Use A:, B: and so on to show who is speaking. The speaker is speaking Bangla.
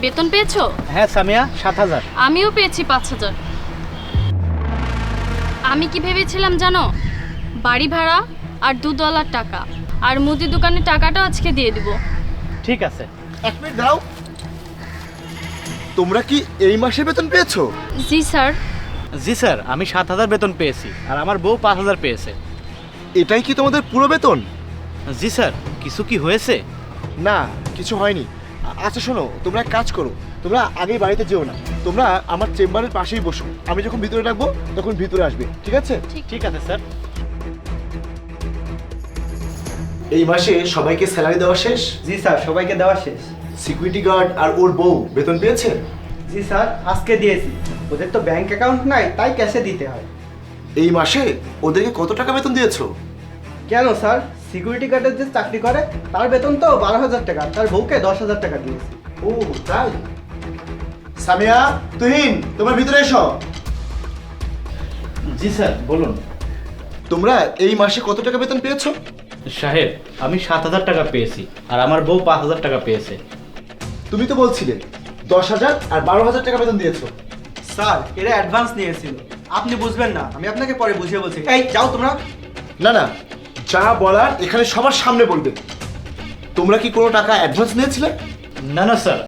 A: বেতন পেয়েছো?
B: হ্যাঁ সামিয়া, 7,000।
A: আমিও পেয়েছি 5,000। আমি কি ভেবেছিলাম জানো, বাড়ি ভাড়া আর $2 টাকা আর মুদি দোকানের টাকাটাও আজকে দিয়ে দিব।
B: ঠিক আছে।
C: 1 মিনিট দাও। তোমরা কি এই মাসে বেতন পেয়েছো?
A: জি স্যার।
B: জি স্যার, আমি 7,000 বেতন পেয়েছি আর আমার বউ 5,000 পেয়েছে।
C: এটাই কি তোমাদের পুরো বেতন?
B: জি স্যার। কিছু কি হয়েছে?
C: না, কিছু হয়নি। আচ্ছা শোনো, তোমরা এক কাজ করো, তোমরা আগেই বাড়িতে যেও না, তোমরা আমার চেম্বারের পাশেই বসো। আমি যখন ভিতরে ডাকবো তখন ভিতরে আসবে, ঠিক আছে?
B: ঠিক আছে স্যার।
C: এই মাসে সবাইকে স্যালারি দেওয়া শেষ।
D: জি স্যার, সবাইকে দেওয়া শেষ।
C: সিকিউরিটি গার্ড আর ওর বউ বেতন পেয়েছে?
D: জি স্যার, আজকে দিয়েছি। ওদের তো ব্যাংক অ্যাকাউন্ট নাই, তাই ক্যাশে দিতে হয়।
C: এই মাসে ওদেরকে কত টাকা বেতন দিয়েছো?
D: কেন স্যার, সিকিউরিটি গার্ডের যে চাকরি করে তার বেতন তো 12,000 টাকা, তার বউকে 10,000 টাকা দিয়েছি।
C: ও তাই। সামিয়া, তুহিন, তোমরা ভিতরে এসো।
B: জি স্যার, বলুন।
C: তোমরা এই মাসে কত টাকা বেতন পেয়েছো?
B: সাহেব, আমি 7,000 টাকা পেয়েছি আর আমার বউ 5,000 টাকা পেয়েছে।
C: তুমি তো বলছিলে 10,000 আর 12,000 টাকা বেতন দিয়েছো।
D: স্যার, এরা অ্যাডভান্স নিয়েছিল, আপনি বুঝবেন না, আমি আপনাকে পরে বুঝিয়ে বলছি। এই যাও তোমরা।
C: না না, যা বলার এখানে সবার সামনে বলবে। তোমরা কি কোনো টাকা অ্যাডভান্স নিয়েছিলে?
B: না না স্যার,